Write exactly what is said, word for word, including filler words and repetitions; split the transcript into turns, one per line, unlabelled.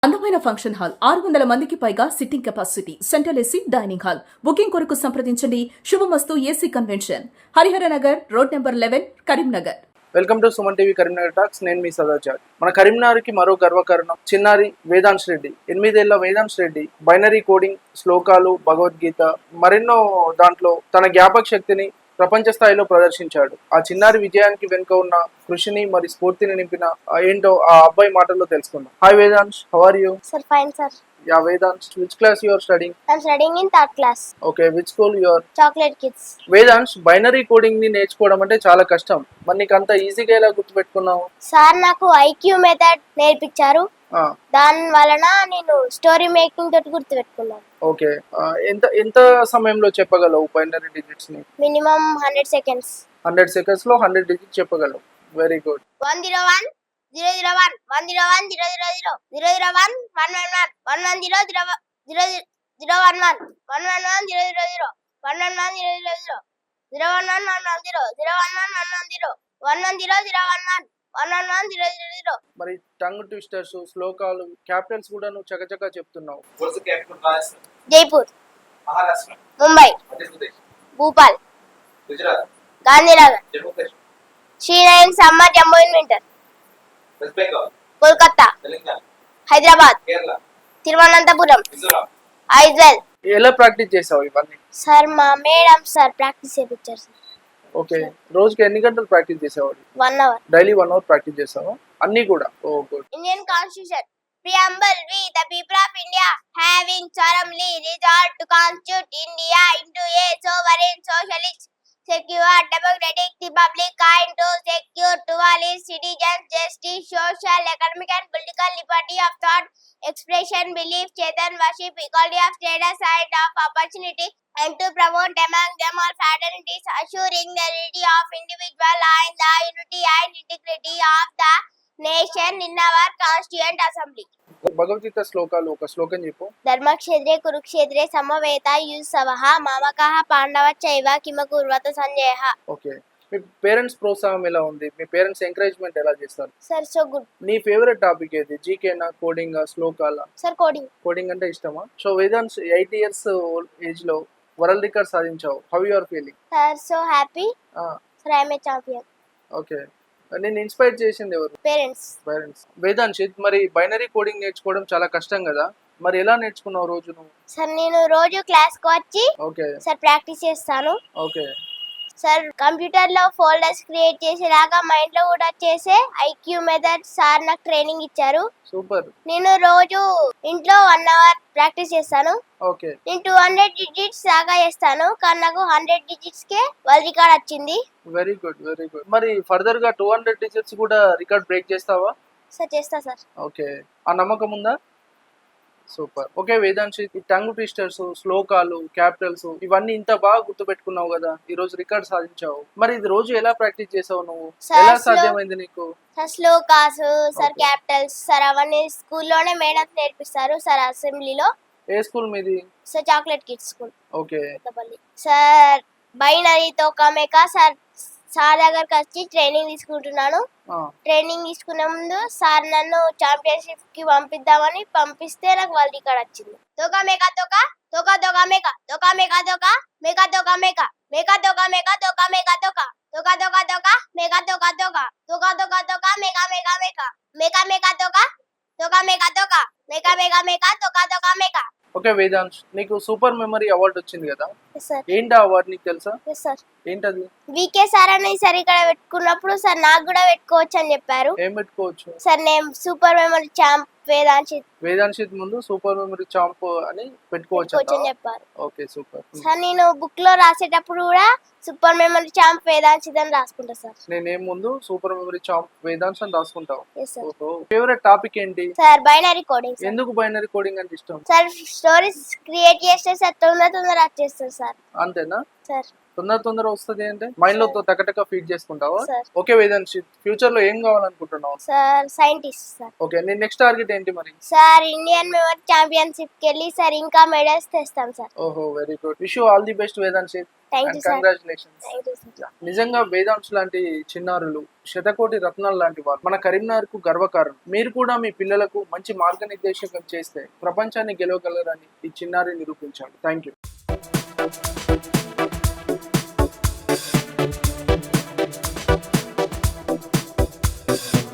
అందమైన function hall ఆరు వందల మందికి పైగా sitting capacity central AC dining hall booking కొరకు సంప్రదించండి. Shubhamastu AC convention, Harihara Nagar, road number eleven, Karimnagar.
Welcome to Suman TV Karimnagar talks. నేను మీ సదాచార్. మన కరీంనగర్కి మరో గర్వకారణం చిన్నారి వేదాంశ్ రెడ్డి. ఎనిమిదేళ్ల వేదాంశ్ రెడ్డి బైనరీ కోడింగ్, శ్లోకాలు, భగవద్గీత మరెన్నో దాంట్లో తన జ్ఞాపక శక్తిని ప్రపంచ స్థాయిలో ప్రదర్శించాడు. ఆ చిన్నారి విజయానికి వెనుక ఉన్న కృషిని మరి స్ఫూర్తిని నింపిన ఏంటో ఆ అబ్బాయి మాటల్లో తెలుసుకుందాం. Hi Vedansh, how are you?
Sir, fine, sir.
Yeah Vedansh, which class you are studying?
I'm studying in third class.
Okay, which school you are?
Chocolate Kids.
Vedansh, binary coding ని నేర్చుకోవడం అంటే చాలా కష్టం. మరి నీకు అంత ఈజీగా ఎలా గుర్తుపెట్టుకున్నావు?
సార్ నాకు ఐక్యూ మెథడ్ నేర్పించారు. దాని వలన నేను స్టోరీ మేకింగ్ తోటి గుర్తు పెట్టుకున్నాను.
ఓకే, ఎంత ఎంత సమయంలో చెప్పగలవు బైనరీ డిజిట్స్ ని?
Minimum hundred seconds.
Hundred seconds లో హండ్రెడ్ డిజిట్స్ చెప్పగలవు. Very good.
One zero one zero zero one one zero one zero zero zero zero zero one one one one one one zero zero zero zero one one one one one zero zero zero one one one zero zero zero zero one one one one zero zero one one one one zero one one zero zero one one one one one zero zero zero.
మరి tongue twisters, శ్లోకాలు, capitals కూడా నువ్వు చకచకా చెప్తున్నావు.
Jaipur, Mumbai, Bhopal, Gandhinagar, Srinagar, summer, Jammu and winter, Kolkata, Hyderabad, Thiruvananthapuram, Aizawl.
ఎలా practice చేసావు ఇవన్నీ?
Sir మా మేడం సార్ ప్రాక్టీస్ చేయించారు సార్.
ఓకే, రోజుకి ఎన్ని గంటలు ప్రాక్టీస్ చేసేవాడు?
One hour.
Daily one hour practice చేసావా అన్ని కూడా? Oh good.
Indian constitution preamble, we the people of India having solemnly resolved to constitute India into a sovereign socialist secure democratic republic kind to secure to all its citizens justice, social, economic and political liberty of thought, expression, belief, chetan, worship, equality of status and of opportunity, and to promote among them all fraternities, assuring the unity of individual and the unity and integrity of the nation in our constituent assembly.
Bhagavad Gita శ్లోకాలు ఒక శ్లోకం చెప్పు.
ధర్మక్షేత్రే కురుక్షేత్రే సమవేత యుసవః మామకః పాండవ చైవ కిమ కుర్వత సంజయః.
Okay, మీ parents ప్రోత్సాహం ఎలా ఉంది? మీ parents encouragement ఎలా చేస్తారు?
Sir so good.
నీ ఫేవరెట్ టాపిక్ ఏది? జీకేనా, కోడింగ్, శ్లోకాల?
Sir coding.
కోడింగ్ అంటే ఇష్టమా? So Vedansh, eight years age లో వరల్డ్ రికార్డ్ సాధించావు. How you are feeling?
Sir so happy. Sir I am a champion.
Okay, నేను ఇన్స్పైర్ చేసింది ఎవరు?
పేరెంట్స్.
పేరెంట్స్. వేదాంశిత్, మరి బైనరీ కోడింగ్ నేర్చుకోవడం చాలా కష్టం కదా, మరి ఎలా నేర్చుకున్నావు రోజు నువ్వు?
సార్ నేను రోజు క్లాస్ కు వచ్చి
ఓకే
సార్ ప్రాక్టీస్ చేస్తాను.
ఓకే
సార్ కంప్యూటర్ లో ఫోల్డర్స్ క్రియేట్ చేసేలాగా మైండ్ లో కూడా చేసే ఐక్యూ మెథడ్ సార్ నాకు ట్రైనింగ్ ఇచ్చారు.
సూపర్.
నేను రోజు ఇంట్లో వన్ అవర్ ప్రాక్టీస్ చేస్తాను.
ఓకే,
నేను టూ హండ్రెడ్ డిజిట్స్ దాకా చేస్తాను, కానీ నాకు హండ్రెడ్ డిజిట్స్ కే వరల్డ్ రికార్డ్ వచ్చింది.
Very good, very good. మరి ఫర్దర్ గా టూ హండ్రెడ్ డిజిట్స్ కూడా రికార్డ్ బ్రేక్ చేస్తావా?
సార్ చేస్తా సార్.
ఓకే, ఆ నమ్మకం ఉందా? సూపర్. ఓకే వేదాంశి, ఈ టంగ్ ట్విస్టర్స్, శ్లోకాలు, క్యాపిటల్స్ ఇవన్నీ ఇంత బాగా గుర్తుపెట్టుకున్నావు కదా, ఈ రోజు రికార్డ్ సాధించావు. మరి ఇది రోజు ఎలా ప్రాక్టీస్ చేసావు నువ్వు? ఎలా సాధ్యమైంది నీకు?
Sir shlokas, sir capitals sir అవన్నీ స్కూల్లోనే మేడం నేర్పిస్తారు సార్ అసెంబ్లీలో.
ఏ స్కూల్ మీది?
Sir chocolate kids school.
Okay
sir బైనరీతో కమేకా సార్ సార్ దగ్గరకు వచ్చి ట్రైనింగ్ తీసుకుంటున్నాను. ట్రైనింగ్ తీసుకునే ముందు సార్ నన్ను ఛాంపియన్షిప్ కి పంపిద్దామని పంపిస్తే నాకు వరల్డ్ రికార్డ్ వచ్చింది. తోకా మేకా తోకా తోకా తోకా మేకా తోకా మేకా తోకా మేకా తోకా మేకా మేకా తోకా మేకా తోకా మేకా తోకా తోకా తోకా తోకా మేకా తోకా తోకా తోకా తోకా తోకా మేకా మేకా మేకా మేకా మేకా తోకా తోకా మేకా తోకా మేకా మేకా మేకా తోకా తోకా మేకా.
ఓకే వేదాంశ్, నీకు సూపర్ మెమరీ అవార్డు వచ్చింది కదా, ఏంటి అవార్డు నీకు తెలుసా? ఏంటది?
వికే సార్ అని సార్ ఇక్కడ పెట్టుకున్నప్పుడు సార్ నాకు కూడా పెట్టుకోవచ్చు అని చెప్పారు.
ఏం పెట్టుకోవచ్చు?
సార్ నేను super memory champ Vedanshith.
Vedanshith ముందు సూపర్ మెమరీ ఛాంప్ అని పెట్టుకోవచ్చు అని
చెప్పారు.
Okay super.
సార్ నేను బుక్ లో రాసేటప్పుడు కూడా సూపర్ మెమరీ ఛాంప్ వేదాంశిత్ అని రాసుకుంటా సార్.
నేనేం ముందు సూపర్ మెమరీ ఛాంప్ వేదాంశ్ అని రాసుకుంటావు. ఫేవరెట్ టాపిక్ ఏంటి?
Sir binary coding.
ఎందుకు బైనరీ కోడింగ్ అంటే ఇష్టం?
సార్ స్టోరీస్ క్రియేట్ చేస్తే సార్ తొందర తొందర వచ్చేస్తుంది సార్.
అంతేనా
సార్?
తొందర తొందర వస్తుంది అంటే మైండ్ లో టకటక ఫీడ్ చేసుకుంటావా?
సార్
ఓకే వేదాంశ్, ఫ్యూచర్ లో ఏం కావాలనుకుంటున్నావు?
Sir scientist sir.
ఓకే, నీ నెక్స్ట్ టార్గెట్ ఏంటి మరి?
సార్ ఇండియన్ మెమరీ ఛాంపియన్షిప్ కి వెళ్ళి సార్ ఇంకా మెడల్స్ తెస్తాం సార్.
ఓహో, very good. Wish you all the best Vedansh.
Thank you sir.
Congratulations.
Thank you sir.
నిజంగా వేదాంశ్ లాంటి చిన్నారులు శతకోటి రత్నాలు లాంటి వారు మన కరీంనగర్ కు గర్వకారణం. మీరు కూడా మీ పిల్లలకు మంచి మార్గనిర్దేశకం చేస్తే ప్రపంచాన్ని గెలవగలరని ఈ చిన్నారి నిరూపించాలి. Thank you.